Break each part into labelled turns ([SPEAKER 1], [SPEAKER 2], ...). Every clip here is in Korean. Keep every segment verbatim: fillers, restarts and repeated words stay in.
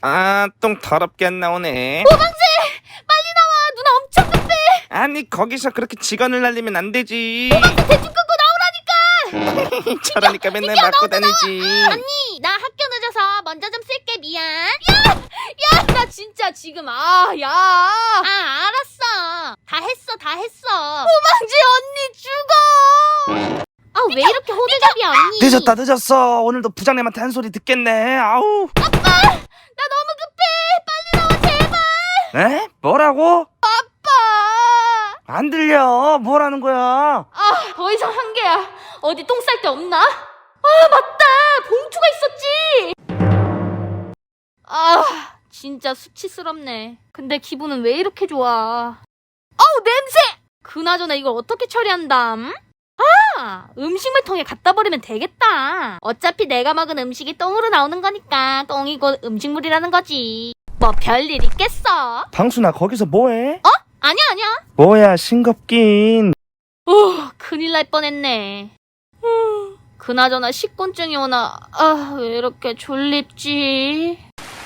[SPEAKER 1] 아, 똥 더럽게 안 나오네.
[SPEAKER 2] 오방새! 빨리 나와! 누나 엄청 급해!
[SPEAKER 1] 아니, 거기서 그렇게 직원을 날리면 안 되지.
[SPEAKER 2] 오방새 대충 끊고 나오라니까!
[SPEAKER 1] 저러니까 맨날 맞고 다니지.
[SPEAKER 2] 언니! 나 학교 늦어서 먼저 좀 쓸게. 미안. 야! 야! 나 진짜 지금 아 야! 아 알았어. 다 했어 다 했어. 오방지 언니 죽어! 아 왜 이렇게 호들갑이야 언니?
[SPEAKER 1] 늦었다 늦었어. 오늘도 부장님한테 한 소리 듣겠네. 아우.
[SPEAKER 2] 아빠! 나 너무 급해! 빨리 나와 제발!
[SPEAKER 1] 에? 뭐라고?
[SPEAKER 2] 아빠!
[SPEAKER 1] 안 들려. 뭐라는 거야?
[SPEAKER 2] 아, 더 이상 한계야. 어디 똥 쌀 데 없나? 아, 맞다. 봉투가 있었지. 아, 진짜 수치스럽네. 근데 기분은 왜 이렇게 좋아? 아우, 냄새! 그나저나 이걸 어떻게 처리한담? 아, 음식물 통에 갖다 버리면 되겠다. 어차피 내가 먹은 음식이 똥으로 나오는 거니까 똥이 곧 음식물이라는 거지. 뭐 별일 있겠어?
[SPEAKER 1] 방순아, 거기서 뭐해?
[SPEAKER 2] 어? 아니야, 아니야.
[SPEAKER 1] 뭐야, 싱겁긴.
[SPEAKER 2] 오, 큰일 날 뻔했네. 후, 그나저나 식곤증이 오나. 아, 왜 이렇게 졸립지?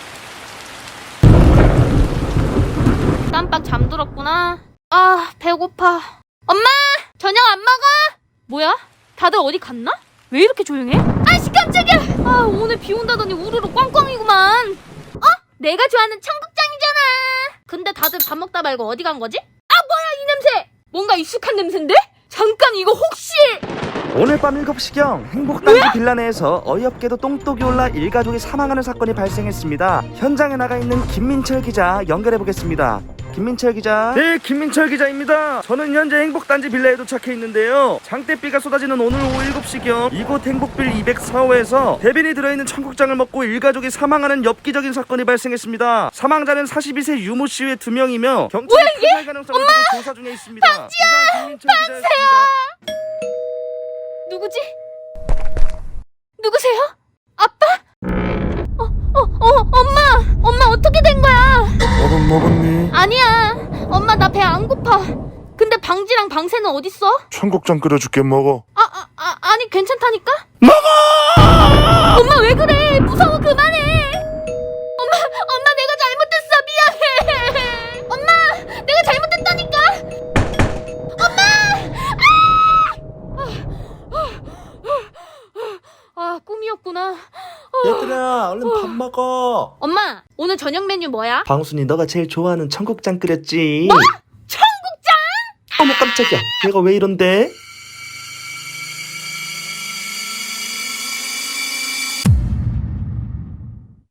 [SPEAKER 2] 깜빡 잠들었구나. 아, 배고파. 엄마! 저녁 안 먹어? 뭐야? 다들 어디 갔나? 왜 이렇게 조용해? 아씨, 깜짝이야! 아, 오늘 비 온다더니 우르르 꽝꽝이구만. 어? 내가 좋아하는 청국장이잖아. 근데 다들 밥 먹다 말고 어디 간 거지? 아, 뭐야 이 냄새! 뭔가 익숙한 냄새인데? 잠깐, 이거 혹시...
[SPEAKER 1] 오늘 밤 일곱 시경 행복단지 빌라 내에서 어이없게도 똥독이 올라 일가족이 사망하는 사건이 발생했습니다. 현장에 나가 있는 김민철 기자 연결해보겠습니다. 김민철 기자. 네, 김민철 기자입니다. 저는 현재 행복단지 빌라에 도착해 있는데요. 장대비가 쏟아지는 오늘 오후 일곱 시경 이곳 행복빌 이백사 호에서 대변이 들어있는 청국장을 먹고 일가족이 사망하는 엽기적인 사건이 발생했습니다. 사망자는 사십이 세 유모 씨 외 두 명이며 경찰이 타살 가능성을 두고 조사 중에 있습니다. 방지야! 김민철 기자였습니다.
[SPEAKER 2] 누구지? 누구세요? 아빠? 어, 어, 어, 엄마! 엄마 어떻게 된 거야?
[SPEAKER 1] 밥은 먹었니?
[SPEAKER 2] 아니야. 엄마 나 배 안 고파. 근데 방지랑 방새는 어딨어?
[SPEAKER 3] 청국장 끓여줄게. 먹어.
[SPEAKER 2] 아, 아, 아, 아니 괜찮다니까? 먹어! 엄마 왜 그래? 무서워, 그만해. 엄마, 엄마 내가 잘못했어. 미안해. 엄마, 내가 잘못했다니까. 엄마! 아, 꿈이었구나.
[SPEAKER 1] 얘들아, 얼른 밥 먹어.
[SPEAKER 2] 엄마, 오늘 저녁 메뉴 뭐야?
[SPEAKER 1] 방순이 너가 제일 좋아하는 청국장 끓였지.
[SPEAKER 2] 뭐? 청국장?
[SPEAKER 1] 어머 깜짝이야. 얘가 왜 이런데?